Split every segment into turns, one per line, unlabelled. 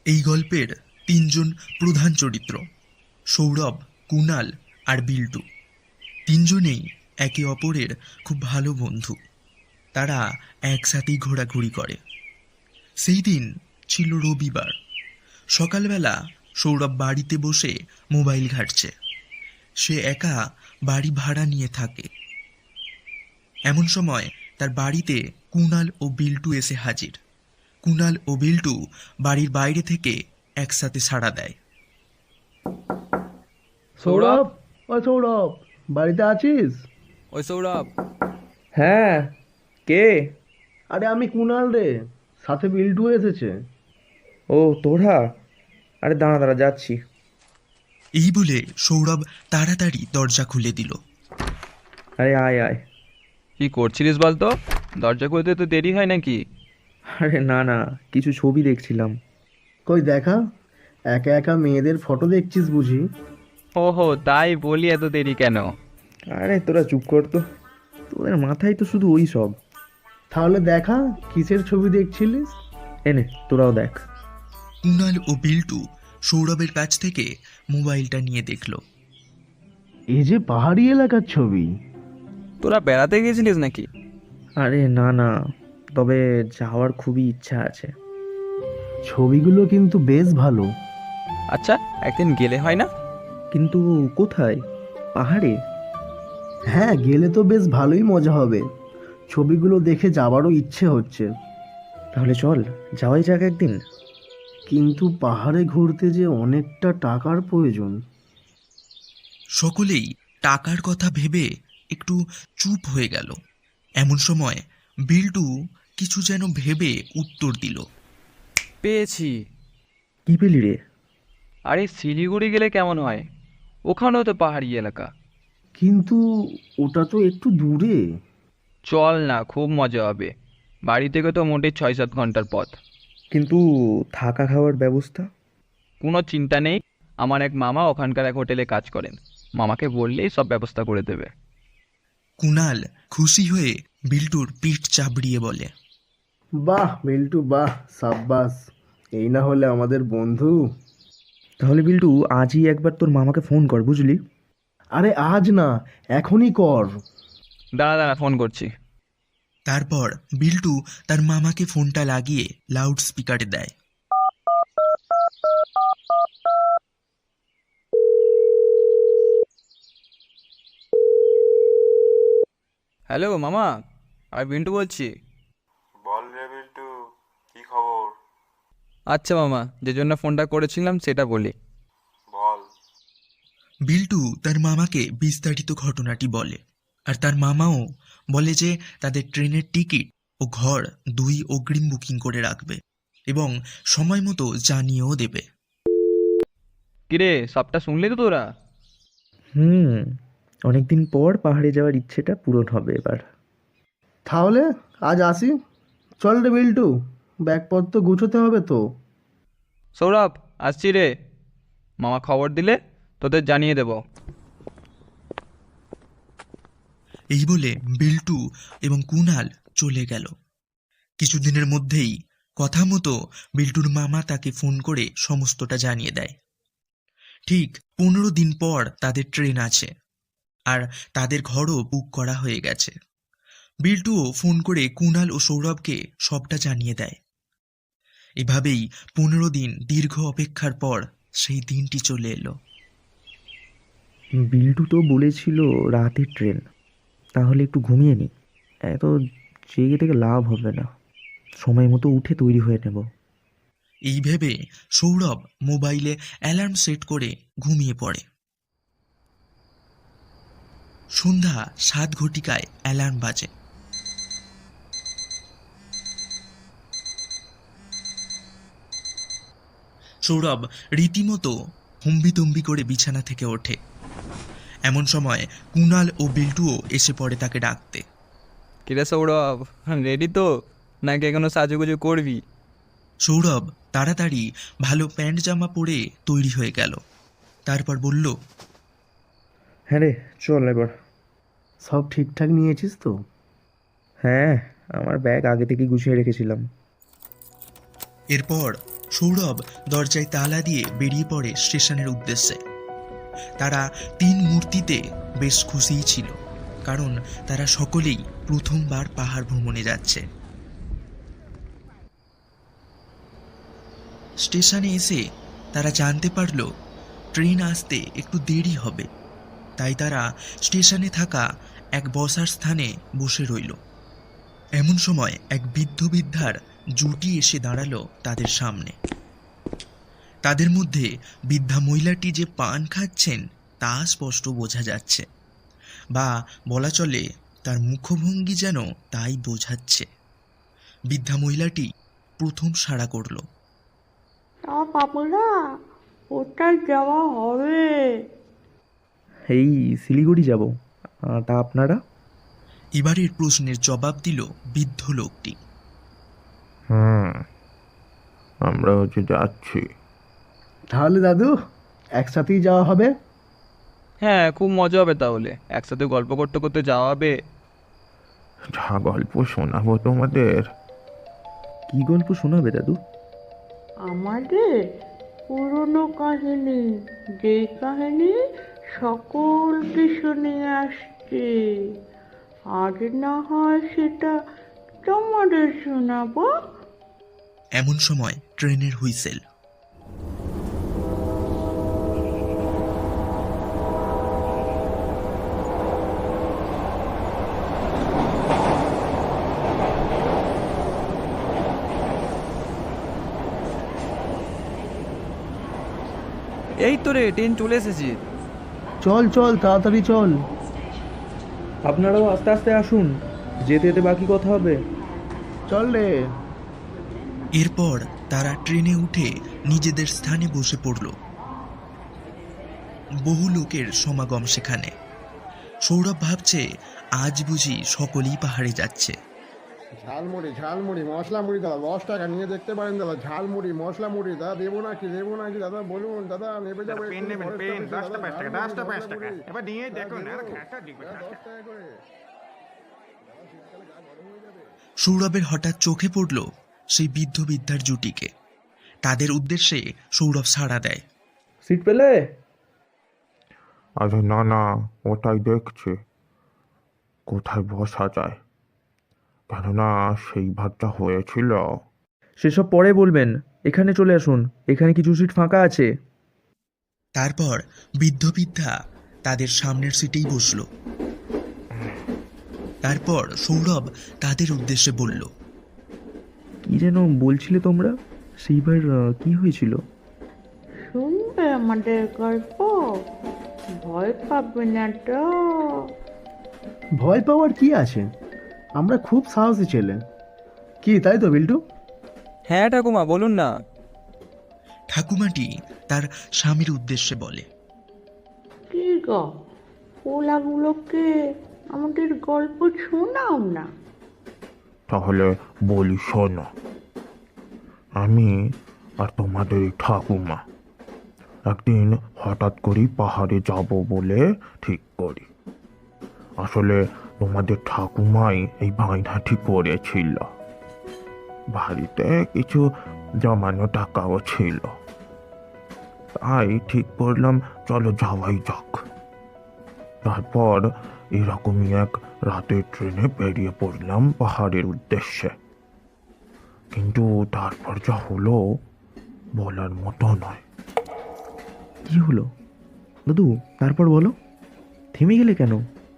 এই গল্পের তিনজন প্রধান চরিত্র সৌরভ, কুণাল আর বিল্টু। তিনজনেই একে অপরের খুব ভালো বন্ধু। তারা একসাথেই ঘোরাঘুরি করে। সেই দিন ছিল রবিবার। সকালবেলা সৌরভ বাড়িতে বসে মোবাইল ঘাঁটছে। সে একা বাড়ি ভাড়া নিয়ে থাকে। এমন সময় তার বাড়িতে কুণাল ও বিল্টু এসে হাজির। কুণাল ও বিল্টু বাড়ির বাইরে থেকে একসাথে সাড়া দেয়।
সৌরভ,
সৌরভ, ও সৌরভ, বাড়িতে আছিস?
ওই সৌরভ।
হ্যাঁ, কে?
আরে আমি কুনাল রে, সাথে বিল্টু এসেছে।
ও তোরা? আরে দাঁড়া দাঁড়া, যাচ্ছি।
এই বলে সৌরভ তাড়াতাড়ি দরজা খুলে দিল।
আরে আয় আয়।
কি করছিলিস বলতো? দরজা খুলতে তো দেরি হয় নাকি?
আরে না না, কিছু ছবি দেখছিলাম।
কই দেখা, একা একা মেয়েদের ফটো দেখছিস বুঝি?
ওহো, তাই বলি এত দেরি কেন?
আরে তোরা চুপ কর তো, তোদের মাথায় তো শুধু ওই সব।
তাহলে দেখা, কিসের ছবি দেখছিলিস?
এনে তোরাও দেখ।
কুণাল ও বিল্টু সৌরভের কাছ থেকে মোবাইলটা নিয়ে দেখল।
এ যে পাহাড়ি এলাকার ছবি।
তোরা বেড়াতে গেছিলিস নাকি?
আরে না না, তবে যাওয়ার খুবই ইচ্ছা আছে।
ছবিগুলো কিন্তু বেশ ভালো।
আচ্ছা, একদিন গেলে হয় না?
কিন্তু কোথায়? পাহাড়ে?
হ্যাঁ, গেলে তো বেশ ভালোই মজা হবে। ছবিগুলো দেখে যাবারও ইচ্ছে হচ্ছে।
তাহলে চল, যাওয়াই যাক একদিন।
কিন্তু পাহাড়ে ঘুরতে যে অনেকটা টাকার প্রয়োজন।
সকলেই টাকার কথা ভেবে একটু চুপ হয়ে গেল। এমন সময় বিল্টু কিছু যেন ভেবে উত্তর দিল।
পেয়েছি।
কি পেলি রে?
আরে শিলিগুড়ি গেলে কেমন হয়? ওখানেও তো পাহাড়ি এলাকা।
কিন্তু ওটা তো একটু দূরে।
চল না, খুব মজা হবে। বাড়ি থেকে তো মোটে 6-7 ঘন্টার পথ।
কিন্তু থাকা খাওয়ার ব্যবস্থা?
কোনো চিন্তা নেই, আমার এক মামা ওখানকার এক হোটেলে কাজ করেন। মামাকে বললেই সব ব্যবস্থা করে দেবে।
কুণাল খুশি হয়ে বিল্টুর পিঠ চাপড়িয়ে বলে,
বাহ বিল্টু, বাহ, সাব্বাস। এই না হলে আমাদের বন্ধু।
তাহলে বিল্টু, আজই একবার তোর মামাকে ফোন কর, বুঝলি?
আরে আজ না, এখনই কর।
দাঁড়া দাঁড়া, ফোন করছি।
তারপর বিল্টু তার মামাকে ফোনটা লাগিয়ে লাউড স্পিকারে দেয়।
হ্যালো মামা, আমি বিন্টু বলছি।
বল রে বিল্টু, কি খবর?
আচ্ছা মামা, যে জন্য ফোনটা করেছিলাম সেটা বলি।
বল।
বিল্টু তার মামাকে বিস্তারিত ঘটনাটি বলে। আর তার মামাও বলে যে তাদের ট্রেনের টিকিট ও ঘর দুই অগ্রিম বুকিং করে রাখবে এবং সময় মতো জানিয়েও দেবে।
কিরে, সবটা শুনলি তো তোরা?
হুম, অনেকদিন পর পাহাড়ে যাওয়ার ইচ্ছেটা পূরণ হবে এবার।
তাহলে আজ আসি। চল রে বিল্টু, ব্যাগপত্র গুছোতে হবে তো।
সৌরভ, আসছি রে। মামা খবর দিলে তোদের জানিয়ে দেব।
এই বলে বিল্টু এবং কুণাল চলে গেল। কিছুদিনের মধ্যেই কথা মতো বিল্টুর মামা তাকে ফোন করে সমস্তটা জানিয়ে দেয়। ঠিক 15 দিন পর তাদের ট্রেন আছে আর তাদের ঘরও বুক করা হয়ে গেছে। বিল্টুও ফোন করে কুণাল ও সৌরভকে সবটা জানিয়ে দেয়। এভাবেই 15 দিন দীর্ঘ অপেক্ষার পর সেই দিনটি চলে এলো।
বিল্টু তো বলেছিল রাতের ট্রেন, তাহলে একটু ঘুমিয়ে নি। এত জেগে থেকে লাভ হবে না, সময় মতো উঠে তৈরি হয়ে নেব।
এই ভেবে সৌরভ মোবাইলে অ্যালার্ম সেট করে ঘুমিয়ে পড়ে। সন্ধ্যা 7 ঘটিকায় অ্যালার্ম বাজে। সৌরভ রীতিমতো হম্বিতম্বি করে বিছানা থেকে ওঠে। এমন সময় কুণাল ও বিল্টুও এসে পড়ে তাকে ডাকতে।
কিরে সৌরভ, রেডি তো নাকি এখনো সাজুগুজু করবি?
সৌরভ তাড়াতাড়ি ভালো প্যান্ট জামা পরে তৈরি হয়ে গেল। তারপর বলল,
হ্যাঁ রে, চল এবার।
সব ঠিকঠাক নিয়েছিস তো?
হ্যাঁ, আমার ব্যাগ আগে থেকেই গুছিয়ে রেখেছিলাম।
এরপর সৌরভ দরজায় তালা দিয়ে বেরিয়ে পড়ে স্টেশনের উদ্দেশ্যে। তারা 3 মূর্তিতে বেশ খুশিই ছিল, কারণ তারা সকলেই প্রথমবার পাহাড় ভ্রমণে যাচ্ছে। স্টেশনে এসে তারা জানতে পারল ট্রেন আসতে একটু দেরি হবে, তাই তারা স্টেশনে থাকা এক বসার স্থানে বসে রইল। এমন সময় এক বৃদ্ধ বৃদ্ধার জুটি এসে দাঁড়ালো তাদের সামনে। তাদের মধ্যে বৃদ্ধা মহিলাটি যে পান খাচ্ছেন তা স্পষ্ট বোঝা যাচ্ছে, বা বলা চলে তার মুখভঙ্গি যেন তাই বোঝাচ্ছে। বৃদ্ধা মহিলাটি প্রথম সাড়া করল।
তা বাবুরা, কোথায় যাওয়া হবে?
এই শিলিগুড়ি যাব। তা আপনারা?
এবারের প্রশ্নের জবাব দিল বৃদ্ধ লোকটি।
আমরা যাচ্ছি।
তাহলে দাদু একসাথেই যাওয়া হবে।
হ্যাঁ, খুব মজা হবে তাহলে, একসাথে গল্প করতে করতে যাওয়া হবে।
যা গল্প শোনাবো তোমাদের।
কি গল্প শোনাবে দাদু?
আমাদের পুরনো কাহিনী, যে কাহিনী সকলকে শুনে আসছে। আজ না হয় সেটা তোমাদের শোনাবো।
এমন সময় ট্রেনের হুইসেল।
এই তো রে, ট্রেন চলে এসেছি।
চল চল তাড়াতাড়ি চল।
আপনারাও আস্তে আস্তে আসুন, যেতে যেতে বাকি কথা হবে।
চল রে।
এরপর তারা ট্রেনে উঠে নিজেদের স্থানে বসে পড়ল। বহু লোকের সমাগম সেখানে। সৌরভ ভাবছে আজ বুঝি সকলেই পাহাড়ে যাচ্ছে।
ঝালমুড়ি ঝালমুড়ি মশলা মুড়ি দাদা 10 টাকা নিয়ে দেখতে পারেন দাদা। ঝালমুড়ি মশলা মুড়ি দাদা, দেবো নাকি দাদা বলুন দাদা, নেবে যাবে
পেন নেবেন, পেন 10টা 5 টাকা, 10টা 5 টাকা। এবার নিয়ে দেখুন, আর ঘাটা দিবেন
10 টাকা করে।
সৌরভের হঠাৎ চোখে পড়ল সেই বৃদ্ধ বৃদ্ধার জুটিকে। তাদের উদ্দেশ্যে সৌরভ সাড়া দেয়।
সিট পেলে?
আরে না না, ওটাই দেখছি কোথায় বসা যায়, কেননা সেই ভাতটা হয়েছিল।
সেসব পরে বলবেন, এখানে চলে আসুন, এখানে কিছু সিট ফাঁকা আছে।
তারপর বৃদ্ধ বৃদ্ধা তাদের সামনের সিটেই বসল। তারপর সৌরভ তাদের উদ্দেশ্যে বলল,
কি যেন বলছিলে তোমরা? সেইবার কি হয়েছিল?
শুনবে আমাদের গল্প? ভয় পাবে না তো?
ভয় পাওয়ার কি আছে, আমরা খুব সাহসী ছেলে। কি তাই তো বিল্টু?
হ্যাঁ ঠাকুমা, বলুন না।
ঠাকুমাটি তার স্বামীর উদ্দেশ্যে বলে।
কি গো, পোলাগুলোকে আমাদের গল্প শোনাও না।
তাহলে বলি শোনো। আমি আর তোমাদের এই ঠাকুমা একদিন হঠাৎ করেই পাহাড়ে যাব বলে ঠিক করি। আসলে তোমাদের ঠাকুমাই এই বাঁধাটি করেছিল। বাড়িতে কিছু জমানো টাকাও ছিল, তাই ঠিক করলাম চলো যাওয়াই যাক। তারপর এরকমই এক রাতের ট্রেনে বেরিয়ে পড়লাম পাহাড়ের উদ্দেশ্যে। কিন্তু তারপর যা হলো বলার মতো নয়।
কি হলো দাদু? তারপর বলো, থেমে গেলে কেন?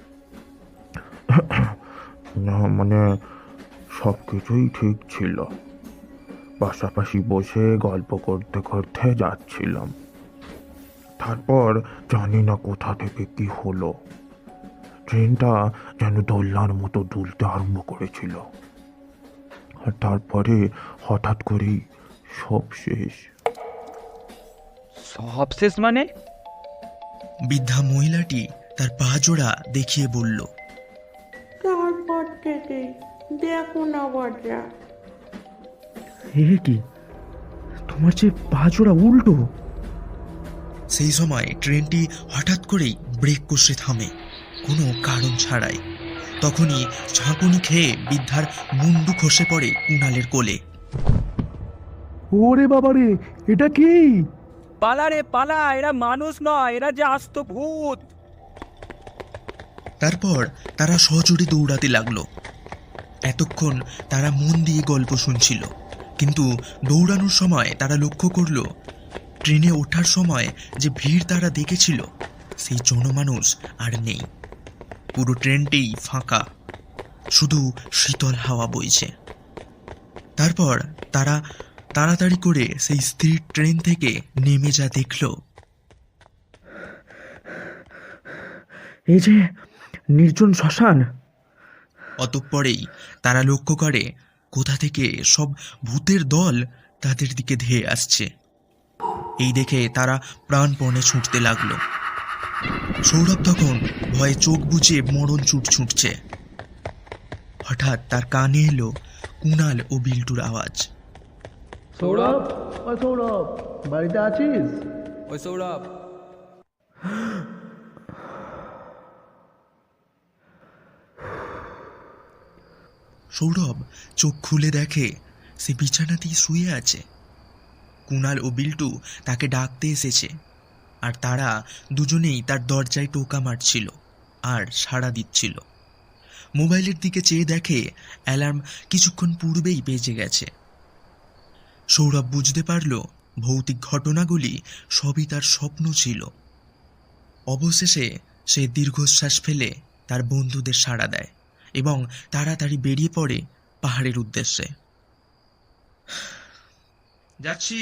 না মানে সব কিছুই ঠিক ছিল, পাশাপাশি বসে গল্প করতে করতে যাচ্ছিলাম। তারপর জানি না কোথা থেকে কি হলো, ট্রেনটা যেন দোলনার মতো দুলতে আরম্ভ করেছিল, আর তারপরে হঠাৎ করেই সব শেষ।
সব শেষ মানে?
বৃদ্ধা মহিলাটি তার পা জোড়া দেখিয়ে বলল।
তারপর থেকে দেখো না বাজা।
হে কি, তোমার যে পা জোড়া উল্টো!
সেই সময় ট্রেনটি হঠাৎ করেই ব্রেক কষে থামে, কোনো কারণ ছাড়াই। তখনই ঝাঁকুনি খেয়ে বৃদ্ধার মুন্ডু খসে পড়ে কুণালের কোলে।
ওরে বাবারে, এটা কি?
পালা রে পালা, এরা মানুষ নয়, এরা যে আস্ত ভূত।
তারপর তারা সজোরে দৌড়াতে লাগলো। এতক্ষণ তারা মন দিয়ে গল্প শুনছিল, কিন্তু দৌড়ানোর সময় তারা লক্ষ্য করলো ট্রেনে ওঠার সময় যে ভিড় তারা দেখেছিল সেই জনমানুষ আর নেই। পুরো ট্রেনটাই ফাঁকা, শুধু শীতল হাওয়া বইছে। তারপর তারা তাড়াতাড়ি করে সেই স্থির ট্রেন থেকে নেমে যা দেখলো,
এই যে নির্জন শ্মশান।
অতঃপরেই তারা লক্ষ্য করে কোথা থেকে সব ভূতের দল তাদের দিকে ধেয়ে আসছে। এই দেখে তারা প্রাণপণে ছুটতে লাগলো। সৌরভ তখন ভয়ে চোখ বুজে মরণ ছুটছে। হঠাৎ তার কানে এলো কুণাল ও বিল্টুর আওয়াজ।
সৌরভ, ও সৌরভ, বাড়িতে আছিস?
ওই সৌরভ,
সৌরভ চোখ খুলে দেখে সে বিছানাতেই শুয়ে আছে। কুণাল ও বিল্টু তাকে ডাকতে এসেছে, আর তারা দুজনেই তার দরজায় টোকা মারছিল আর সাড়া দিচ্ছিল। মোবাইলের দিকে চেয়ে দেখে অ্যালার্ম কিছুক্ষণ পূর্বেই বেজে গেছে। সৌরভ বুঝতে পারল ভৌতিক ঘটনাগুলি সবই তার স্বপ্ন ছিল। অবশেষে সে দীর্ঘশ্বাস ফেলে তার বন্ধুদের সাড়া দেয় এবং তাড়াতাড়ি বেরিয়ে পড়ে পাহাড়ের উদ্দেশ্যে। যাচ্ছি।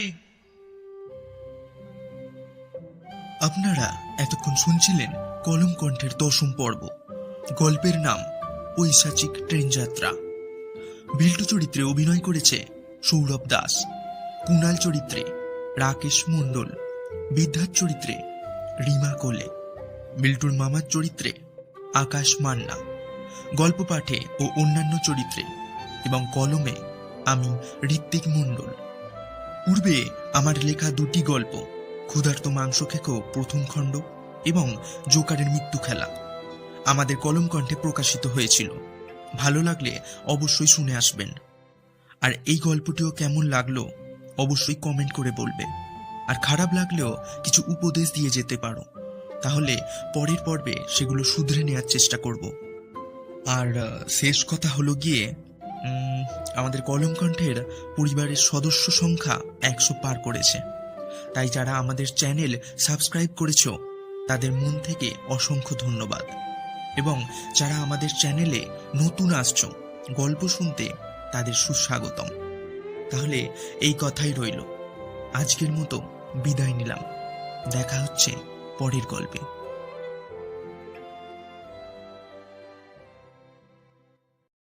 আপনারা এতক্ষণ শুনছিলেন কলম কণ্ঠের 10ম পর্ব। গল্পের নাম পৈশাচিক ট্রেন যাত্রা। বিল্টু চরিত্রে অভিনয় করেছে সৌরভ দাস, কুণাল চরিত্রে রাকেশ মণ্ডল, বিদ্যার চরিত্রে রিমা কোলে, বিল্টুর মামার চরিত্রে আকাশ মান্না, গল্প পাঠে ও অন্যান্য চরিত্রে এবং কলমে আমি ঋত্বিক মণ্ডল। পূর্বে আমার লেখা 2টি গল্প, ক্ষুধার্ত মাংস খেকো প্রথম খণ্ড এবং জোকারের মৃত্যু খেলা, আমাদের কলম কণ্ঠে প্রকাশিত হয়েছিল। ভালো লাগলে অবশ্যই শুনে আসবেন। আর এই গল্পটিও কেমন লাগলো অবশ্যই কমেন্ট করে বলবে। আর খারাপ লাগলেও কিছু উপদেশ দিয়ে যেতে পারো, তাহলে পরের পর্বে সেগুলো শুধরে নেওয়ার চেষ্টা করব। আর শেষ কথা হলো গিয়ে আমাদের কলম কণ্ঠের পরিবারের সদস্য সংখ্যা 100 পার করেছে। তাই যারা আমাদের চ্যানেল সাবস্ক্রাইব করেছো তাদের মন থেকে অসংখ্য ধন্যবাদ, এবং যারা আমাদের চ্যানেলে নতুন আসছো গল্প শুনতে তাদের সুস্বাগতম। তাহলে এই কথাই রইল, আজকের মতো বিদায় নিলাম। দেখা হচ্ছে পরের গল্পে।